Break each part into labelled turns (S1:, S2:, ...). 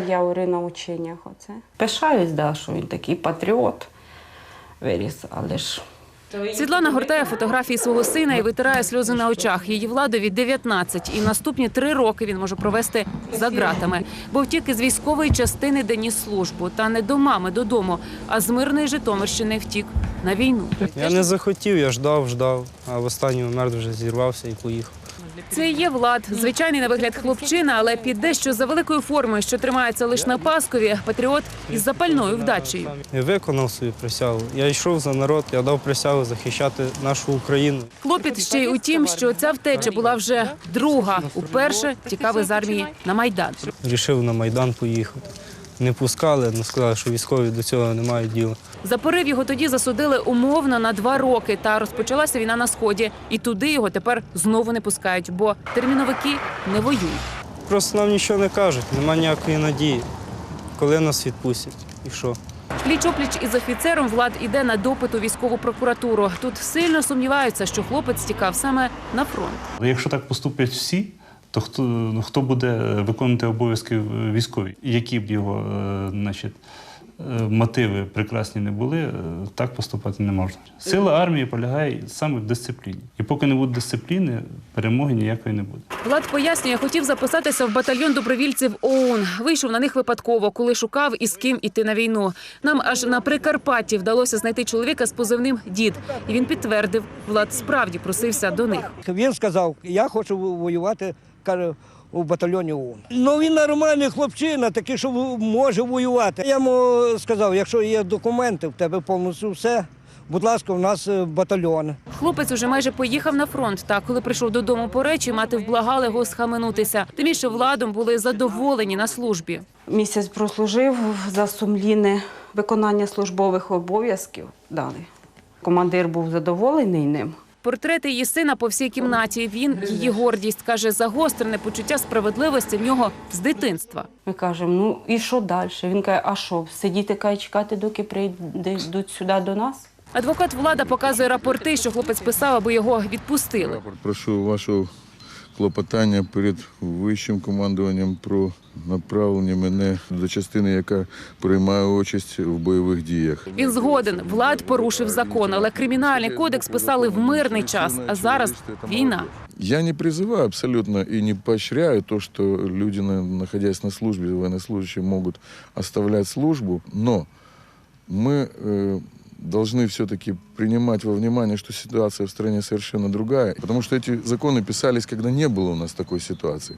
S1: я на ученнях. Оце. Пишаюсь, да, що він такий патріот виріс, але ж...
S2: Світлана гортає фотографії свого сина і витирає сльози на очах. Її Владові 19, і наступні 3 роки він може провести за ґратами. Бо втік із військової частини, де ніс службу. Та не до мами, додому, а з мирної Житомирщини втік на війну.
S3: Я не захотів, я ждав, а в останній момент вже зірвався і поїхав.
S2: Це і є Влад. Звичайний на вигляд хлопчина, але під дещо за великою формою, що тримається лише на паскові, патріот із запальною вдачею.
S3: Я виконав свою присягу. Я йшов за народ, я дав присягу захищати нашу Україну.
S2: Клопіт ще й у тім, що ця втеча була вже друга. Уперше тікав із армії на Майдан.
S3: Рішив на Майдан поїхати. Не пускали, але сказали, що військові до цього не мають діла.
S2: За порив його тоді засудили умовно на 2 роки. Та розпочалася війна на Сході. І туди його тепер знову не пускають, бо терміновики не воюють.
S3: Просто нам нічого не кажуть, немає ніякої надії. Коли нас відпустять і що?
S2: Пліч-опліч із офіцером Влад іде на допит у військову прокуратуру. Тут сильно сумніваються, що хлопець тікав саме на фронт.
S4: Якщо так поступлять всі, то хто буде виконувати обов'язки військові? Які б його мотиви прекрасні не були, так поступати не можна. Сила армії полягає саме в дисципліні. І поки не буде дисципліни, перемоги ніякої не буде.
S2: Влад пояснює, хотів записатися в батальйон добровільців ОУН. Вийшов на них випадково, коли шукав із ким іти на війну. Нам аж на Прикарпатті вдалося знайти чоловіка з позивним «Дід». І він підтвердив, Влад справді просився до них.
S5: Він сказав, я хочу воювати, каже, у батальйоні ОУН. Ну він нормальний хлопчина, такий, що може воювати. Я йому сказав, якщо є документи, в тебе повністю все, будь ласка, у нас батальйон.
S2: Хлопець уже майже поїхав на фронт. Та коли прийшов додому по речі, мати вблагала його схаменутися. Тим більше Владом були задоволені на службі.
S1: Місяць прослужив за сумлінне виконання службових обов'язків. Дали. Командир був задоволений ним.
S2: Портрети її сина по всій кімнаті. Він – її гордість. Каже, загострене почуття справедливості в нього з дитинства.
S1: Ми кажемо, ну і що далі? Він каже, а що, сидіти, чекати, доки прийдуть сюди до нас?
S2: Адвокат Влада показує рапорти, що хлопець писав, аби його відпустили.
S6: Прошу вашого клопотання перед вищим командуванням про направлення мене до частини, яка приймає участь в бойових діях.
S2: Він згоден. Влад порушив закон, але кримінальний кодекс писали в мирний час, а зараз війна.
S6: Я не призываю абсолютно и не поощряю то, что люди, находясь на службе, военнослужащие могут оставлять службу, но мы должны все-таки принимать во внимание, что ситуация в стране совершенно другая, потому что эти законы писались, когда не было у нас такой ситуации.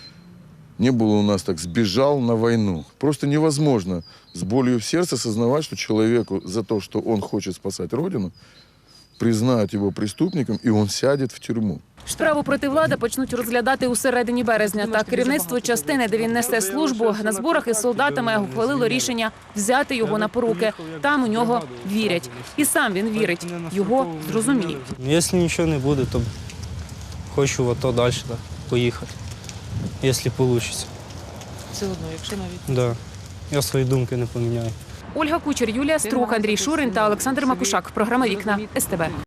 S6: Не было у нас так «сбежал на войну». Просто невозможно с болью в сердце осознавать, что человеку за то, что он хочет спасать Родину, признают его преступником, и он сядет в тюрьму.
S2: Справу проти Влада почнуть розглядати у середині березня. Та керівництво частини, де він несе службу, на зборах із солдатами ухвалило рішення взяти його на поруки. Там у нього вірять. І сам він вірить. Його зрозуміють.
S3: Якщо нічого не буде, то хочу в АТО далі поїхати, якщо вийде.
S2: Все одно, якщо навіть.
S3: Да. Я свої думки не поміняю.
S2: Ольга Кучер, Юлія Струх, Андрій Шурин та Олександр Макушак. Програма «Вікна» СТБ.